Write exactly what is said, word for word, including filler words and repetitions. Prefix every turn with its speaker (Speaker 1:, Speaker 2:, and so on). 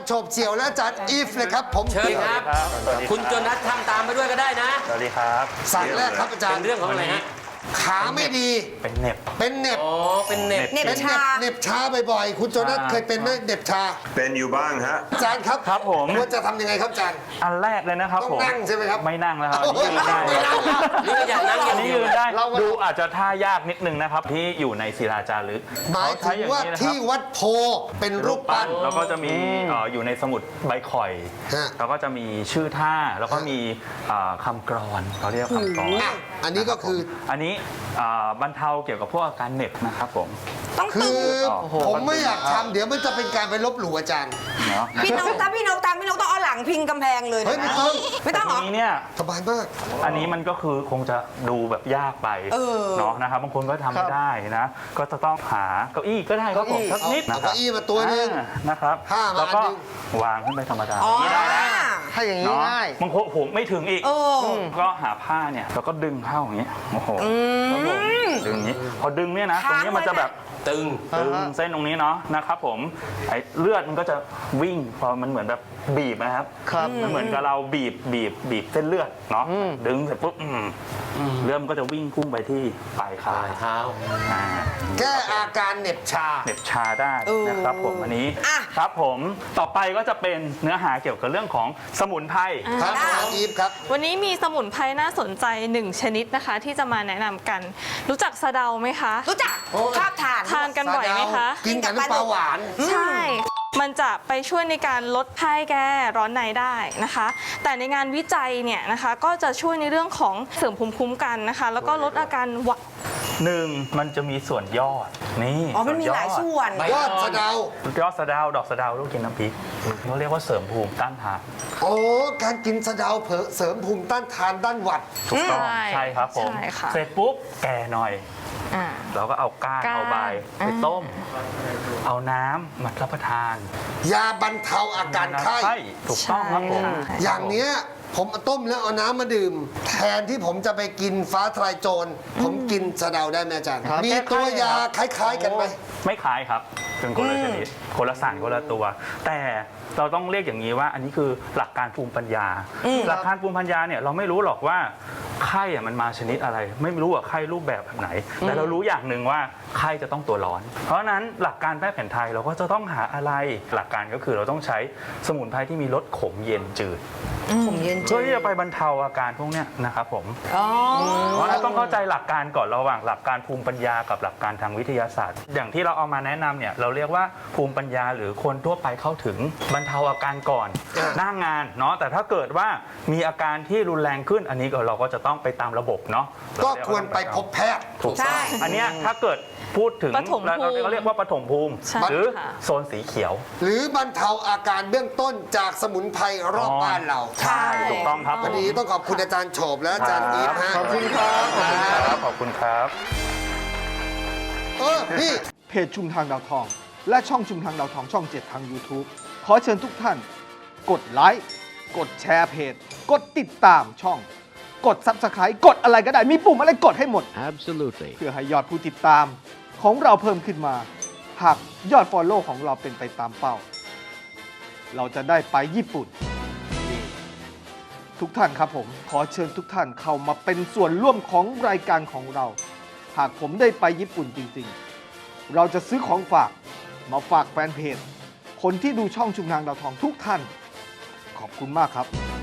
Speaker 1: โฉบเฉี่ยวและอาจารย์อีฟเลยครับผม
Speaker 2: เชิญครับ คุณโจนัสทำตามไปด้วยก็ได้นะ
Speaker 3: สวัสดีครับ
Speaker 1: สั่งแรกครับอาจาร
Speaker 2: เป็
Speaker 1: ย์
Speaker 2: นเรื่องของอะไรฮะ
Speaker 1: ขาไม่ดี
Speaker 3: เป็นเหน็บ
Speaker 1: เป็นเหน็บ
Speaker 2: อ๋อ เป็นเน็ต
Speaker 4: เหน็บ
Speaker 1: เป็น
Speaker 4: ชา
Speaker 1: เหน็บชาบ่อยๆคุณโจนัส
Speaker 3: ชา
Speaker 1: เคยเป็นไหมเหน็บชา
Speaker 5: เป็นอยู่บ้างฮะ
Speaker 1: อาจารย์ครับ
Speaker 3: ครับผม
Speaker 1: ควรจะทำยังไงครับอาจารย์
Speaker 3: อันแรกเลยนะครับ
Speaker 1: ต้อง
Speaker 3: ผม
Speaker 1: นั่งใช่ไหมครับ
Speaker 3: ไม่นั่งแล้วครับ
Speaker 1: โอ้โห
Speaker 3: ยืนได้
Speaker 1: ไม่นั่งแล้ว
Speaker 2: นี่ก็อยากนั่งอ
Speaker 3: อั
Speaker 2: ย่าน ง
Speaker 3: นี้
Speaker 2: เดียว
Speaker 3: ยืนได้
Speaker 1: เราก็
Speaker 3: ดูอาจจะท่ายากนิดนึงนะครับ ที่อยู่ในศิลาจารึก
Speaker 1: หมายถึงว่า
Speaker 3: เขใช้อย่
Speaker 1: ที่
Speaker 3: นี้นะครับ
Speaker 1: วัดโพเป็นรูปปั้น
Speaker 3: แล้วก็จะมีเอ่ออยู่ในสมุดใบข่อย
Speaker 1: ฮะ
Speaker 3: แล้วก็จะมีชื่อท่าแล้วก็มีเอ่อคำกรอนเขาเรียกคำกรอน
Speaker 1: อ่ะอันนี้ก็คือ
Speaker 3: อันนี้เอ่อบรรเทาเกี่ยวกับพวกอาการเหน็บนะครับผม
Speaker 4: ต้อง
Speaker 1: คื
Speaker 4: ตึ
Speaker 1: อง
Speaker 3: โอ้โห
Speaker 1: ผมไม่อยากทำเดี๋ยวมันจะเป็นการไปลบหลู่อาจารย์
Speaker 3: เนาะ
Speaker 4: พี่นกถ้าพี่นกตามพี่นกต้องเอาหลังพิงกำแพงเลย
Speaker 1: เฮ้ย
Speaker 4: นะ
Speaker 1: ไม่ต้อง
Speaker 4: ไม่ต้องเหรอ
Speaker 3: ทีนี้เนี่ย
Speaker 1: สบายมาก
Speaker 3: อันนี้มันก็คือคงจะดูแบบยากไป
Speaker 4: เออ
Speaker 3: เนาะนะครับบางคนก็ทำไม่ได้นะ ก็จะต้องหาเก้าอี้ก็ได้ครับผมสักนิด
Speaker 1: เอา
Speaker 3: นะครั
Speaker 1: เก้าอี้มาตัวหนึง
Speaker 3: อ่านะครับ
Speaker 1: ผ้ามา
Speaker 3: แล้วก็
Speaker 1: อันหนึ่ง
Speaker 3: วางขึ้นไปธรรมดา
Speaker 4: อ๋อ
Speaker 3: อย่างนี้ได้นะ
Speaker 6: ถ้าอย่างนี้
Speaker 3: เนาะ
Speaker 6: ง่าย
Speaker 3: บางคนผมไม่ถึงอีก
Speaker 4: เออ
Speaker 3: ก็หาผ้าเนี่ยแล้วก็ดึงเข้าอย่างนี้โอ้โหครับผมดึงอย่างนี้ พอดึงเนี่ยนะตรงนี้มันจะแบบ
Speaker 2: ตึง
Speaker 3: ตึงเส้นตรงนี้เนาะนะครับผมไอ้เลือดมันก็จะวิ่งพอมันเหมือนแบบบีบนะครับ
Speaker 6: ครับ
Speaker 3: มันเหมือนกับเราบีบบีบบีบเส้นเลือดเนาะดึงเสร็จปุ๊บอืมเลือดมันก็จะวิ่งพุ่งไปที่ปลาย
Speaker 2: ป
Speaker 3: ขา
Speaker 2: ลายเท้า
Speaker 3: อ่า
Speaker 1: แก้อาการเหน็บชา
Speaker 3: เหน็บชาได้นะครับผมอันนี้
Speaker 4: อ่ะ
Speaker 3: ครับผมต่อไปก็จะเป็นเนื้อหาเกี่ยวกับเรื่องของสมุนไพร
Speaker 1: ครับอาจารย์อีฟครับ
Speaker 7: วันนี้มีสมุนไพรน่าสนใจหนึ่งชนิดนะคะ ที่จะมาแนะนำกัน รู้จักสะเดาไหมคะ
Speaker 4: รู้จัก
Speaker 1: โอ้ย
Speaker 4: ชอบทาน
Speaker 7: ทานกันบ่อยไหมคะ
Speaker 1: กินกับน้ำปลาหวาน
Speaker 7: ใช่ มันจะไปช่วยในการลดไข้แก้ร้อนในได้นะคะ แต่ในงานวิจัยเนี่ยนะคะก็จะช่วยในเรื่องของเสริมภูมิคุ้มกันนะคะ แล้วก็ลดอาการหวัด
Speaker 3: หนึ่งมันจะมีส่วนยอดนี่
Speaker 4: อ๋อ มันมีหลายส่วน
Speaker 2: ใบ
Speaker 1: ยอดสะเดา
Speaker 3: ยอดสะเดาดอกสะเดาลูกกินน้ำพริกเขาเรียกว่าเสริมภูมิต้านทาน
Speaker 1: โอ้การกินสะเดาเผอเสริมภูมิต้านทานด้านหวัด
Speaker 3: ถูกต้อง
Speaker 7: ใช่
Speaker 3: ใช่ครับผม
Speaker 7: ใช่ค่ะ
Speaker 3: เสร็จปุ๊บแก่หน่อย
Speaker 7: อ่า
Speaker 3: เราก็เอาก้าน
Speaker 7: ก้าน
Speaker 3: เอาใบไป
Speaker 7: อ่า
Speaker 3: ต้ม เอาน้ำมารับประทาน
Speaker 1: ยาบรรเทาอาการไข้
Speaker 3: ถูกต้องครับผม
Speaker 7: ใช่
Speaker 1: อย่างเนี้ยผมเอาต้มแล้วเอาน้ำมาดื่ม แทนที่ผมจะไปกินฟ้าทลายโจร ผมกินสะเดาได้ไหมอาจารย์
Speaker 6: ครับ
Speaker 1: มีตัวยาคล้าย ๆ กันไหม
Speaker 3: ไม่คล้ายครับเป็นคนละชนิดคนละสารคนละตัว แต่เราต้องเรียกอย่างนี้ว่าอันนี้คือหลักการภูมิปัญญา หลักการภูมิปัญญาเนี่ยเราไม่รู้หรอกว่าไข้อะมันมาชนิดอะไร ไม่รู้ว่าไข้รูปแบบแบบไหน แต่เรารู้อย่างหนึ่งว่าไข้จะต้องตัวร้อน เพราะฉะนั้นหลักการแพทย์แผนไทยเราก็จะต้องหาอะไรหลักการก็คือเราต้องใช้สมุนไพรที่มีรสขมเย็นจืด
Speaker 4: ผมเย็นจื
Speaker 3: เพื่อ
Speaker 4: ด
Speaker 3: ที่จะไปบรรเทาอาการพวกเนี้ยนะครับผม
Speaker 4: อ๋อ
Speaker 3: เพราะฉะนั้นต้องเข้าใจหลักการก่อนระหว่างหลักการภูมิปัญญากับหลักการทางวิทยาศาสตร์ อย่างที่เราเอามาแนะนำเนี่ยเราเรียกว่าภูมิปัญญาหรือคนทั่วไปเข้าถึงบรรเทาอาการก่อน
Speaker 1: อ่า
Speaker 3: หน้างานเนาะแต่ถ้าเกิดว่ามีอาการที่รุนแรงขึ้นอันนี้ก็เราก็จะต้องไปตามระบบเนาะ
Speaker 1: ก็ควรไปพบแพทย์
Speaker 3: ถูก
Speaker 4: ใช่
Speaker 3: ต้องอันเนี้ยถ้าเกิดพูดถึง
Speaker 7: ปฐมภูมิ
Speaker 3: เราเราเรียกว่าปฐมภูมิ
Speaker 7: ใช่
Speaker 3: หรือ
Speaker 7: ค่ะ
Speaker 3: โซนสีเขียว
Speaker 1: หรือบรรเทาอาการเบื้องต้นจากสมุนไพรรอบบ้านเรา
Speaker 3: ใช่ถูกต้องครับผ
Speaker 1: วัน
Speaker 3: ม
Speaker 1: นี้ต้องขอบคุณอาจารย์โฉบและอาจารย์อีฟฮะ
Speaker 6: ขอบคุณครับ
Speaker 3: ขอบคุณครับขอบคุณครับ
Speaker 1: เออพี่
Speaker 6: เพจชุมทางดาวทอง และช่องชุมทางดาวทองช่องเจ็ดทาง YouTube ขอเชิญทุกท่าน กดไลค์ กดแชร์เพจ กดติดตามช่อง กด Subscribe กดอะไรก็ได้ มีปุ่มอะไรกดให้หมด
Speaker 8: Absolutely.
Speaker 6: เพื่อให้ยอดผู้ติดตามของเราเพิ่มขึ้นมา หากยอด Follow ของเราเป็นไปตามเป้า เราจะได้ไปญี่ปุ่น ทุกท่านครับผม ขอเชิญทุกท่านเข้ามาเป็นส่วนร่วมของรายการของเรา หากผมได้ไปญี่ปุ่นจริงๆ เราจะซื้อของฝากมาฝากแฟนเพจ คนที่ดูช่องชุมทางดาวทองทุกท่าน ขอบคุณมากครับ